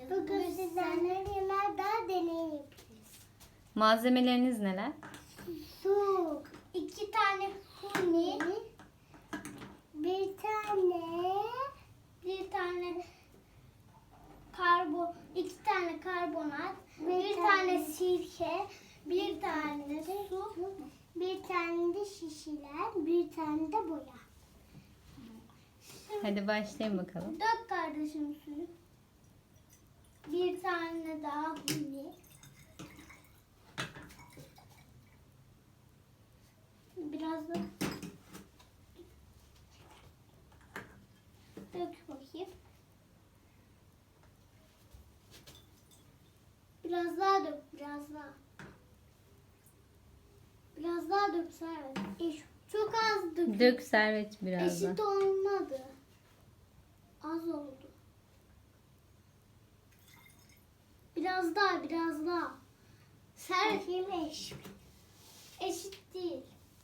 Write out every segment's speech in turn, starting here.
yapacağız. Bugün sizlerle yemek daha deney yapacağız. Malzemeleriniz neler? Su, 2 tane huni, bir tane iki tane karbonat, bir tane sirke, bir tane su, bir tane de şişeler, bir tane de boya. Hadi başlayın bakalım. Dök kardeşim suyu. Bir tane daha huni. Biraz da dök bakayım. Biraz daha dök, biraz daha. Biraz daha dök Servet. Çok az dök. Dök Servet biraz da. Eşit olmadı. Az oldu. Biraz daha, biraz daha. Servet eşit. Eşit değil.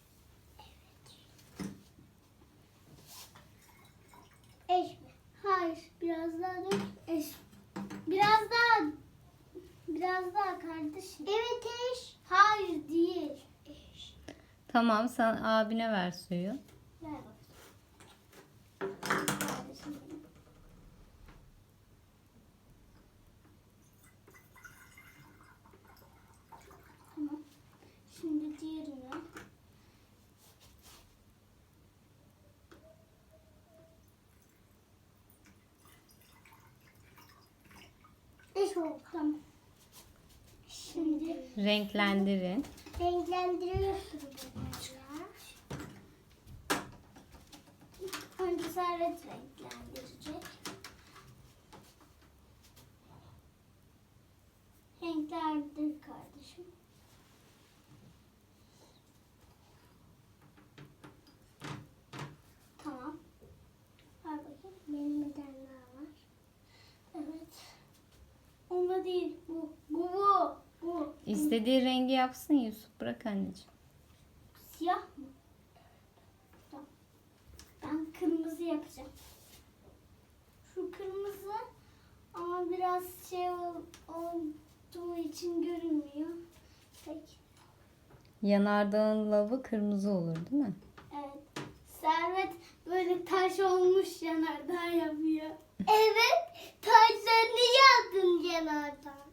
Eş mi? Hayır. Biraz daha dök. Eş. Biraz daha kardeşim. Evet eş. Hayır değil. Eş. Tamam, sen abine ver suyu. Ver bakayım. Kardeşim benim. Tamam. Şimdi diğerine. Eş oldu. Tamam. Şimdi Renklendirin. renklendiriyorsun böyle. Önce Servet renklendirecek. Renklendir kardeşim. Tamam. Ver bakayım. Benim bir tane daha var. Evet. Onda değil. Bu. İstediği rengi yapsın Yusuf. Bırak anneciğim. Siyah mı? Tamam. Ben kırmızı yapacağım. Şu kırmızı ama biraz olduğu için görünmüyor. Peki. Yanardağın lavı kırmızı olur değil mi? Evet. Servet böyle taş olmuş yanardağ yapıyor. Evet. Taşlarını yaptım yanardağ.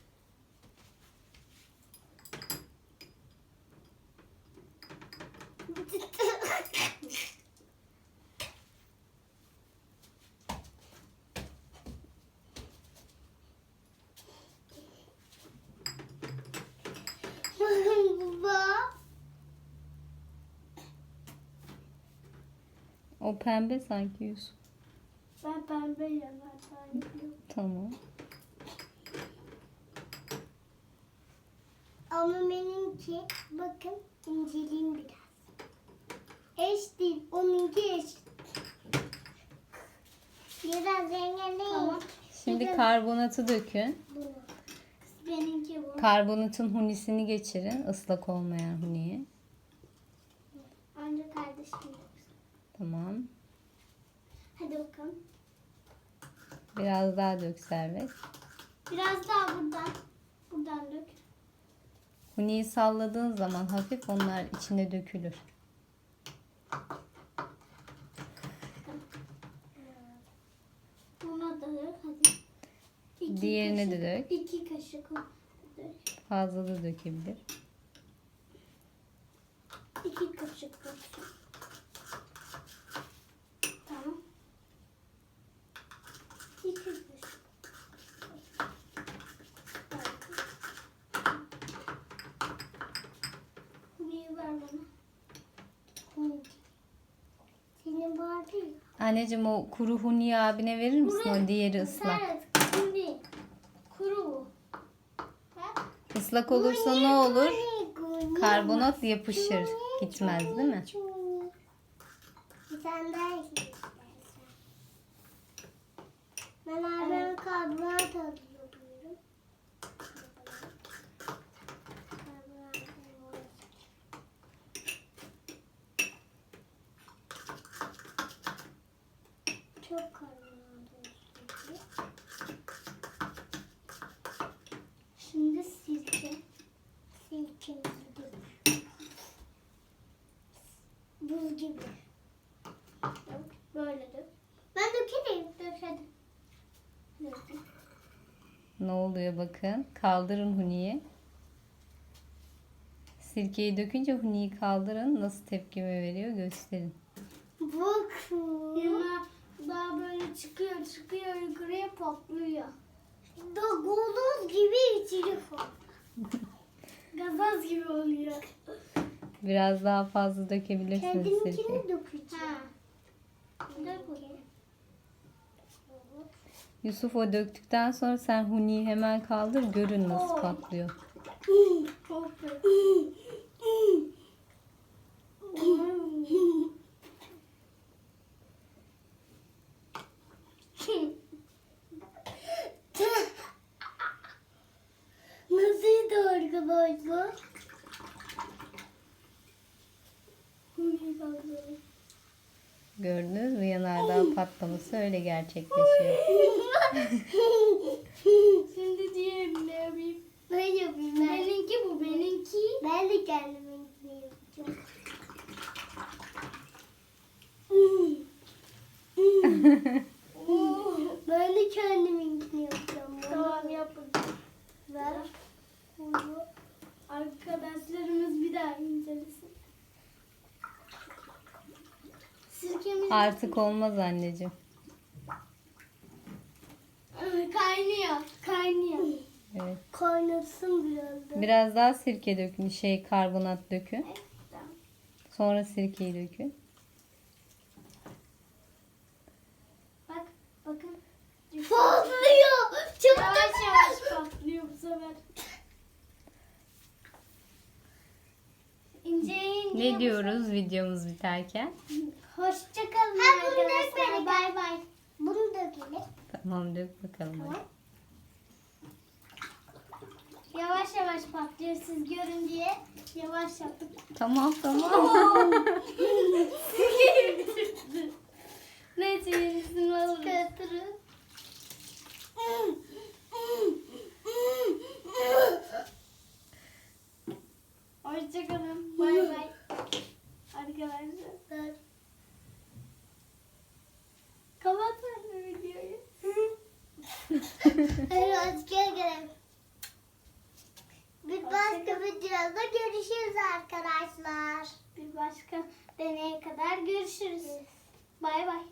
Baba. O pembe sanki Yusuf. Ben pembe yanardağ yapıyorum. Tamam. Ama benimki bakın inceleyeyim biraz. Eş değil. Onunki eş. Biraz rengarenk. Tamam. Şimdi karbonatı dökün. Bunu. Benimki bu. Karbonatın hunisini geçirin. Islak olmayan huniyi. Önce kardeşim yapsın. Tamam. Hadi bakalım. Biraz daha dök Servet. Biraz daha buradan. Buradan dök. Huniyi salladığın zaman hafif onlar içine dökülür. Buna da dök. Hadi. Diğerine de dök. 2 kaşık dök. Fazla da dökebilir. 2 kaşık dök. Tamam. 2 kaşık. Huniyi ver bana. Huni. Senin vardı ya. Anneciğim o kuru huniyi abine verir misin? O diğeri ıslak. Evet. Huni. Kuru bu. Ha? Islak olursa ne olur? Huni. Karbonat yapışır. Gitmez değil mi? Bir tane daha ekle istersen. Ben abime karbonat alıyorum. Çok karbonat olsun. Ne oluyor bakın. Kaldırın Huni'yi. Sirkeyi dökünce Huni'yi kaldırın. Nasıl tepkime veriyor gösterin. Bakın. Yana daha böyle çıkıyor yukarıya patlıyor. Da gazoz gibi içeri gazoz gibi oluyor. Biraz daha fazla dökebilirsiniz sirkeyi. Kendiminkini dökeceğim. Dök bakayım. Yusuf o döktükten sonra sen Huni'yi hemen kaldır. Görün nasıl patlıyor. Nasıldı arkadaşlar? Gördünüz mü? Yanardağ patlaması öyle gerçekleşiyor. Şimdi diğerini yapayım. Ben yapayım. Benimki bu benimki. Ben de kendiminkini yapacağım. Ben de kendiminkini yapacağım. Tamam yapın. Ver. Bunu arkadaşlarımız bir daha incelesin. Sirkemiz Artık olmaz anneciğim. kaynıyor. Evet. Kaynasın biraz da. Biraz daha sirke dökün. Karbonat dökün. Tamam. Sonra sirkeyi dökün. Bakın. Patlıyor. Çabuk yavaş patlıyor bu sefer. İnce Ne diyoruz videomuz biterken? Hoşçakalın arkadaşlar. Bay bay. Bunu dökelim. Tamam dök bakalım. hadi. Yavaş yavaş patlıyor siz görün diye yavaş yaptık. Tamam tamam. Neyse yenisini alırız. Çıkartırız. Hoşçakalın. Bay bay. Arkadaşlar. Kapatma videoyu. Hadi hadi gelelim. Bir başka videoda görüşürüz arkadaşlar. Bir başka deneye kadar görüşürüz. Bay bay.